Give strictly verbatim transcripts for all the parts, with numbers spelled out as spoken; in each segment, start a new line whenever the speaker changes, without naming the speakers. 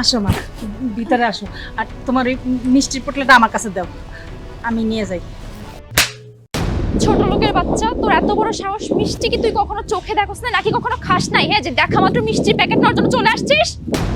আসো মা, ভিতরে আসো। আর তোমার ওই মিষ্টির পোটলাটা আমার কাছে দাও, আমি নিয়ে যাই।
ছোট লোকের বাচ্চা, তোর এত বড় সাহস! মিষ্টি কি তুই কখনো চোখে দেখোস না নাকি কখনো খাস নাই? হ্যাঁ, যে দেখা মাত্র মিষ্টির প্যাকেট নেওয়ার জন্য চলে আসছিস?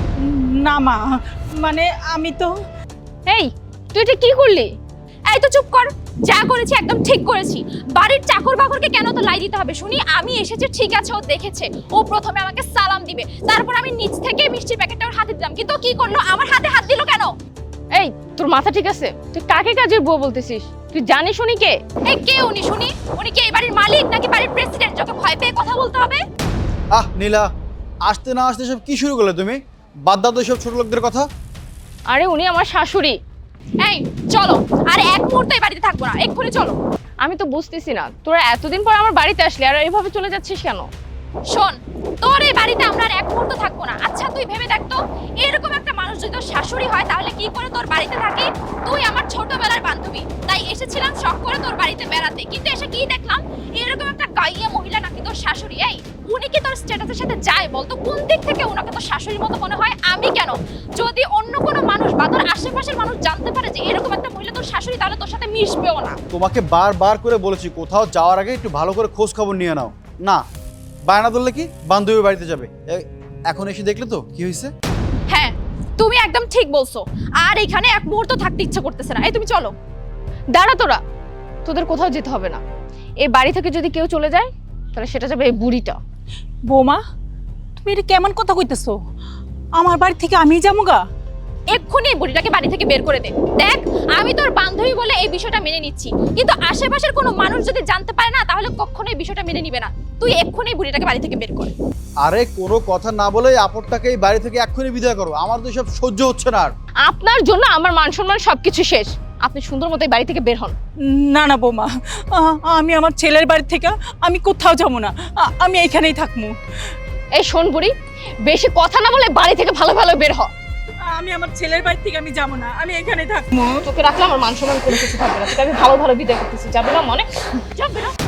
না মা, মানে আমি তো
এই, তুই এটা কি করলি? এই তো চুপ কর। যা করেছি একদম ঠিক করেছি। বাড়ির চাকর বাকরকে কেন তো লাই দিতে হবে শুনি? আমি এসেছি ঠিক আছে, ও দেখেছে, ও প্রথমে আমাকে সালাম দিবে, তারপর আমি নিচ থেকে মিষ্টির প্যাকেটটা ওর হাতে দিলাম, কিন্তু ও কি করলো? আমার হাতে হাত দিল কেন?
এই, তোর মাথা ঠিক আছে? তুই কাকে কাজের বউ বলতেছিস? তুই জানিস উনি কে?
এই কে উনি শুনি? উনি কি এই বাড়ির মালিক নাকি বাড়ির প্রেসিডেন্ট, যাকে ভয় পেয়ে কথা বলতে হবে?
আহ নীলা, আসতে না আসতে সব কি শুরু করলে তুমি? বাদ দাও তো সব ছোট লোকদের কথা।
আরে উনি আমার শাশুড়ি।
এই চলো, আর এক মুহূর্ত এই বাড়িতে থাকবো না, এক্ষুনি চলো।
আমি তো বুঝতেছি না, তোরা এতদিন পর আমার বাড়িতে আসলি আর এইভাবে চলে যাচ্ছিস কেন?
শোন, তোর এই বাড়িতে আমরা আর এক মুহূর্ত থাকবো না। আচ্ছা তুই ভেবে দেখ তো, এরকম একটা মানুষ যদি তোর শাশুড়ি হয় তাহলে কি করে তোর বাড়িতে থাকি? তুই আমার ছোটবেলার বান্ধবী, তাই এসেছিলাম শখ করে তোর বাড়িতে বেড়াতে, কিন্তু এসে কি দেখলাম? এরকম একটা গাইয়া মহিলা নাকি তোর শাশুড়ি। এই, উনি কি তোর স্ট্যাটাসের সাথে যায় বলতো? কোন দিক থেকে ওনাকে তোর শাশুড়ির মতো মনে হয়? আমি কেন? যদি অন্য কোনো মানুষ বা তোর আশেপাশের মানুষ জানতে পারে যে এরকম একটা মহিলা তোর শাশুড়ি, তাহলে তোর সাথে মিশবেও না।
তোমাকে বারবার করে বলেছি কোথাও যাওয়ার আগে একটু ভালো করে খোঁজ খবর নিয়ে নাও। না, বায়না ধরলে কি বান্ধবীর বাড়িতে যাবে। এ- এখন এসে দেখলে তো কি হয়েছে।
হ্যাঁ, তুমি একদম ঠিক বলছো। আর এখানে এক মুহূর্ত থাকতে ইচ্ছে করতেছে না। এই তুমি চলো।
দাঁড়া তোরা, তোদের কোথাও যেতে হবে না। এই বাড়ি থেকে যদি কেউ চলে যায় তাহলে সেটা যাবে এই বুড়িটা।
বৌমা, তুমি এটা কেমন কথা কইতেছো? আমার বাড়ি থেকে আমি যাবো গা?
এক্ষুনি এই বুড়িটাকে বাড়ি থেকে বের করে দে। দেখ, আমি তোর বান্ধবী বলে এই বিষয়টা মেনে নিচ্ছি, কিন্তু আশেপাশের কোনো মানুষ যদি জানতে পারে না তাহলে কখনোই এই বিষয়টা মেনে নিবে না। তুই এক্ষুনি এই বুড়িটাকে বাড়ি থেকে বের কর।
আরে কোনো কথা না বলে আপদটাকে এই বাড়ি থেকে এক্ষুনি বিদায় করো। আমার তো সব সহ্য হচ্ছে না আর।
আপনার জন্য আমার মান সম্মান সবকিছু শেষ। আপনি সুন্দর মতো এই বাড়ি থেকে বের হন।
না না বৌমা, আ- আমি আমার ছেলের বাড়ি থেকে আমি কোথাও যাবো না, আ- আমি এইখানেই থাকবো।
এই শোন বুড়ি, বেশি কথা না বলে বাড়ি থেকে ভালো ভালো বের হ।
আমি আমার ছেলের বাড়ি থেকে আমি যাবো না, আমি এখানেই থাকবো।
তোকে রাখলে আমার মান সম্মান কোনো কিছু থাকবে না। তোকে আমি ভালো ভালো বিদায় করতেছি, যাবে না মনে?
যাবে না?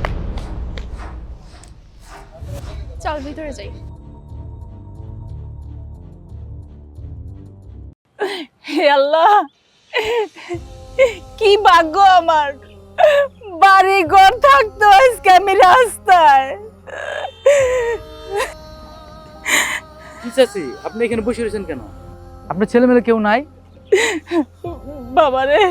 চল ভিতরে যাই।
হে আল্লাহ, কি ভাগ্য আমার, বাড়ি ঘর থাকতো, আজকে আমি রাস্তায়।
চাচি, আপনি এখানে বসে রয়েছেন কেন? আপনার ছেলে মেয়ে কেউ নাই?
বাবারে,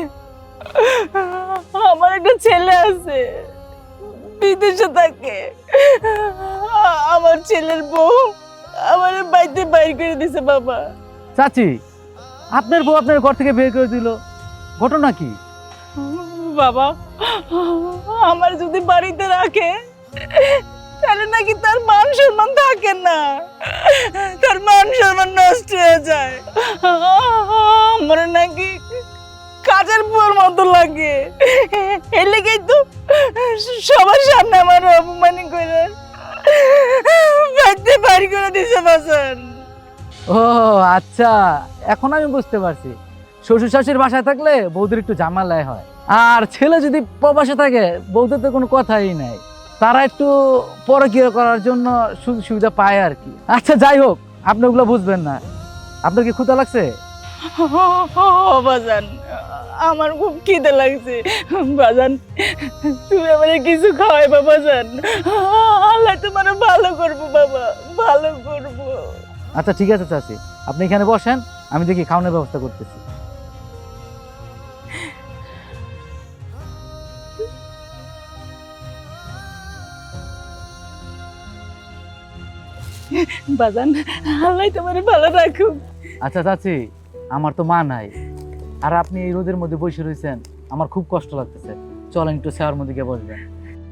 আমার একটা ছেলে আছে, বিদেশে থাকে। আমার ছেলের বউ আমার বাড়িতে বাইর করে দিছে বাবা।
চাচি, আপনার বউ আপনার ঘর থেকে বের করে দিল, ঘটনা কি?
বাবা, আমার যদি বাড়িতে রাখে তাহলে নাকি তার মান সম্মান থাকে না, তার মান সম্মান নষ্ট হয়ে যায়। আমার নাকি কাজের বুয়ার মতো লাগে। এর লেগেই তো সবার সামনে আমার অপমান করে বাড়িতে বাড়ি করে দিছে বাসান।
ও আচ্ছা, এখন আমি বুঝতে পারছি। শ্বশুর শাশুড়ির বাসায় থাকলে বৌদের একটু ঝামেলায় হয়, আর ছেলে যদি প্রবাসে থাকে বৌদের তো কোনো কথাই নাই। তারা একটু পরকীয়া করার জন্য সুযোগ সুবিধা পায় আর কি। আচ্ছা যাই হোক, আপনি ওগুলো বুঝবেন না। আপনার কি ক্ষুধা লাগছে?
বাজান, আমার খুব খিদে লাগছে বাজান, তুমি আমারে কিছু খাওয়াইবা বাজান। আল্লাহ তোমার ভালো করবো বাবা, ভালো করবো।
আচ্ছা ঠিক আছে চাচি, আপনি এখানে বসেন, আমি দেখি খাওয়ানোর ব্যবস্থা করতেছি।
বাজান, আল্লাহ তোমার ভালো রাখুক।
আচ্ছা চাচি, আমার তো মা নাই, আর আপনি এই রোদের মধ্যে বসে রয়েছেন, আমার খুব কষ্ট লাগতেছে। চলেন একটু ছায়ার মধ্যে গিয়ে বসবেন।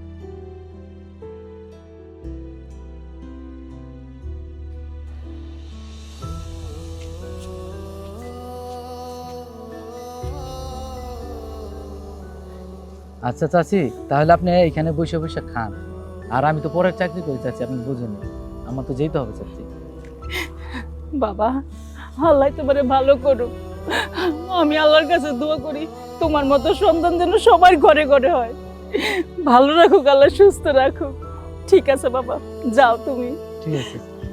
আচ্ছা চাচি, তাহলে আপনি এখানে বসে বসে খান, আর আমি তো পরের চাকরি করি চাচি, আপনি বুঝেন, আমার তো যেতে হবে চাচি।
বাবা, আল্লাহ তোমার ভালো করুক। আমি আল্লাহর কাছে দোয়া করি তোমার মতো সন্তান যেন সবার ঘরে ঘরে হয়। ভালো রাখুক আল্লাহ, সুস্থ রাখুক। ঠিক আছে বাবা, যাও তুমি।
ঠিক আছে।